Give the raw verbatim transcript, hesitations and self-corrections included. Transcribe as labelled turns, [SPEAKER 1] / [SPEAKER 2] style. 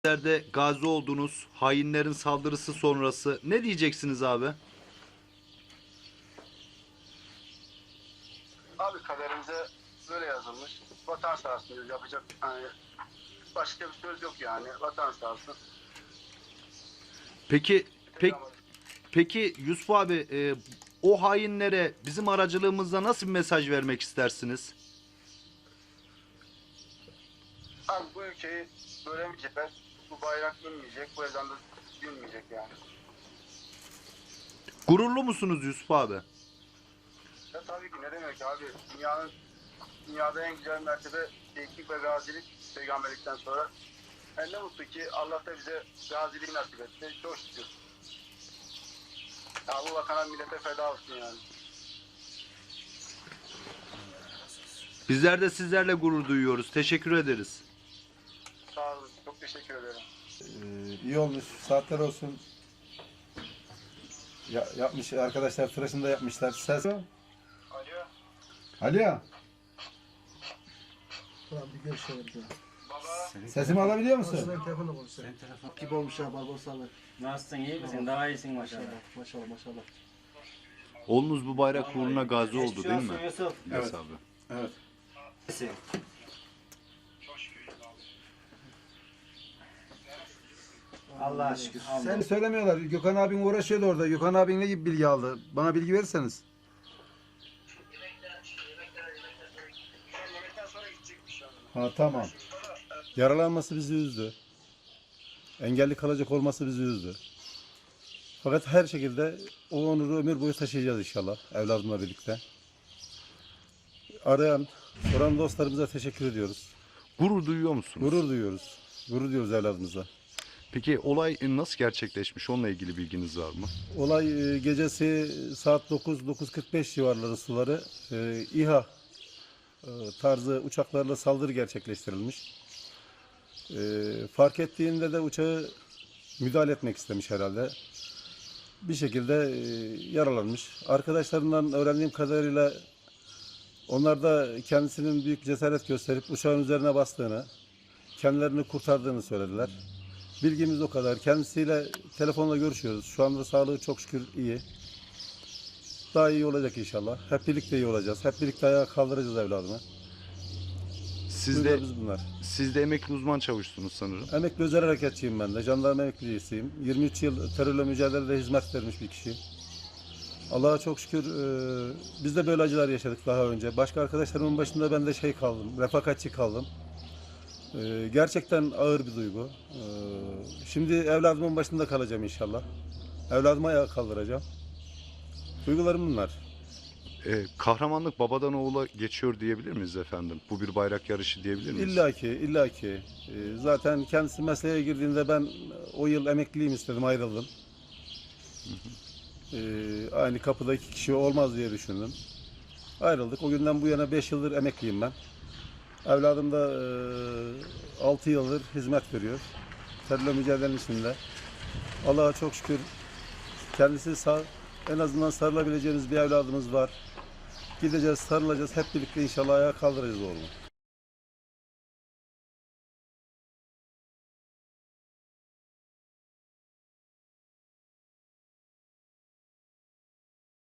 [SPEAKER 1] Nerede gazi oldunuz, hainlerin saldırısı sonrası ne diyeceksiniz abi?
[SPEAKER 2] Abi kaderimize böyle yazılmış. Vatan sağ olsun diyoruz. Yapacak hani başka bir söz yok yani. Vatan sağ olsun.
[SPEAKER 1] Peki, pek, peki Yusuf abi, e, o hainlere bizim aracılığımızla nasıl bir mesaj vermek istersiniz?
[SPEAKER 2] Abi bu ülkeyi bölemeyecekler. Bu bayrak inmeyecek. Bu ezan da dinmeyecek yani.
[SPEAKER 1] Gururlu musunuz Yusuf abi?
[SPEAKER 2] Ya tabii ki ne demek abi. Dünyanın dünyada en güzel mertebe şehitlik ve gazilik peygamberlikten sonra. Yani ne mutlu ki Allah da bize gaziliği nasip etti. Çok şükür. Ya bu vatana millete feda olsun yani.
[SPEAKER 1] Bizler de sizlerle gurur duyuyoruz. Teşekkür ederiz.
[SPEAKER 2] Sağ olun. Çok teşekkür ederim.
[SPEAKER 3] Ee, iyi olmuş. Saatler olsun. Ya, yapmış arkadaşlar, tıraşını da yapmışlar. Ses.
[SPEAKER 2] Alo.
[SPEAKER 3] Alo.
[SPEAKER 4] Ulan bir görüşelim diyor.
[SPEAKER 2] Baba.
[SPEAKER 3] Sesimi alabiliyor musun?
[SPEAKER 4] Aslında telefonla konuşuyor. Gibi olmuş ha Barbaroslarla.
[SPEAKER 5] Nasılsın, iyi misin? Daha iyisin maşallah.
[SPEAKER 4] Maşallah maşallah maşallah.
[SPEAKER 1] Oğlunuz bu bayrak uğruna gazi oldu
[SPEAKER 5] Geçmiş
[SPEAKER 1] değil
[SPEAKER 5] olsun
[SPEAKER 1] mi?
[SPEAKER 5] Yusuf.
[SPEAKER 1] Evet
[SPEAKER 3] Evet.
[SPEAKER 1] abi.
[SPEAKER 3] Evet.
[SPEAKER 5] İyisin. Allah'a şükür.
[SPEAKER 3] Sen söylemiyorlar. Gökhan abin uğraşıyordu orada. Gökhan abin ne gibi bilgi aldı? Bana bilgi verirseniz.
[SPEAKER 2] Yemekten sonra gidecekmiş şu anda.
[SPEAKER 3] Ha tamam. Yaralanması bizi üzdü. Engelli kalacak olması bizi üzdü. Fakat her şekilde o onuru ömür boyu taşıyacağız inşallah evladımla birlikte. Arayan, soran dostlarımıza teşekkür ediyoruz.
[SPEAKER 1] Gurur duyuyor musunuz?
[SPEAKER 3] Gurur duyuyoruz. Gurur duyuyoruz evladımıza.
[SPEAKER 1] Peki olay nasıl gerçekleşmiş? Onunla ilgili bilginiz var mı?
[SPEAKER 3] Olay e, gecesi saat dokuz dokuz kırk beş civarları suları e, İHA e, tarzı uçaklarla saldırı gerçekleştirilmiş. E, fark ettiğinde de uçağı müdahale etmek istemiş herhalde. Bir şekilde e, yaralanmış. Arkadaşlarından öğrendiğim kadarıyla onlar da kendisinin büyük bir cesaret gösterip uçağın üzerine bastığını, kendilerini kurtardığını söylediler. Bilgimiz o kadar. Kendisiyle telefonla görüşüyoruz. Şu anda sağlığı çok şükür iyi. Daha iyi olacak inşallah. Hep birlikte iyi olacağız. Hep birlikte ayağa kaldıracağız evladımı.
[SPEAKER 1] Siz de,
[SPEAKER 3] Duygularımız bunlar.
[SPEAKER 1] siz de emekli uzman çavuşsunuz sanırım.
[SPEAKER 3] Emekli özel harekatçıyım ben de. Jandarma emeklisiyim. yirmi üç yıl terörle mücadelede hizmet vermiş bir kişiyim. Allah'a çok şükür e, biz de böyle acılar yaşadık daha önce. Başka arkadaşlarımın başında ben de şey kaldım, refakatçi kaldım. E, gerçekten ağır bir duygu. E, şimdi evladımın başında kalacağım inşallah. Evladımı ayağa kaldıracağım. Duygularım bunlar.
[SPEAKER 1] Ee, kahramanlık babadan oğula geçiyor diyebilir miyiz efendim? Bu bir bayrak yarışı diyebilir miyiz?
[SPEAKER 3] İlla ki, illa ki. E, zaten kendisi mesleğe girdiğinde ben o yıl emekliyim istedim, ayrıldım. E, aynı kapıda iki kişi olmaz diye düşündüm. Ayrıldık. O günden bu yana beş yıldır emekliyim ben. Evladım da e, altı yıldır hizmet veriyor. Terörle mücadelenin içinde. Allah'a çok şükür kendisi sağ, en azından sarılabileceğimiz bir evladımız var. Gideceğiz, sarılacağız. Hep birlikte inşallah ayağa kaldıracağız oğlumu.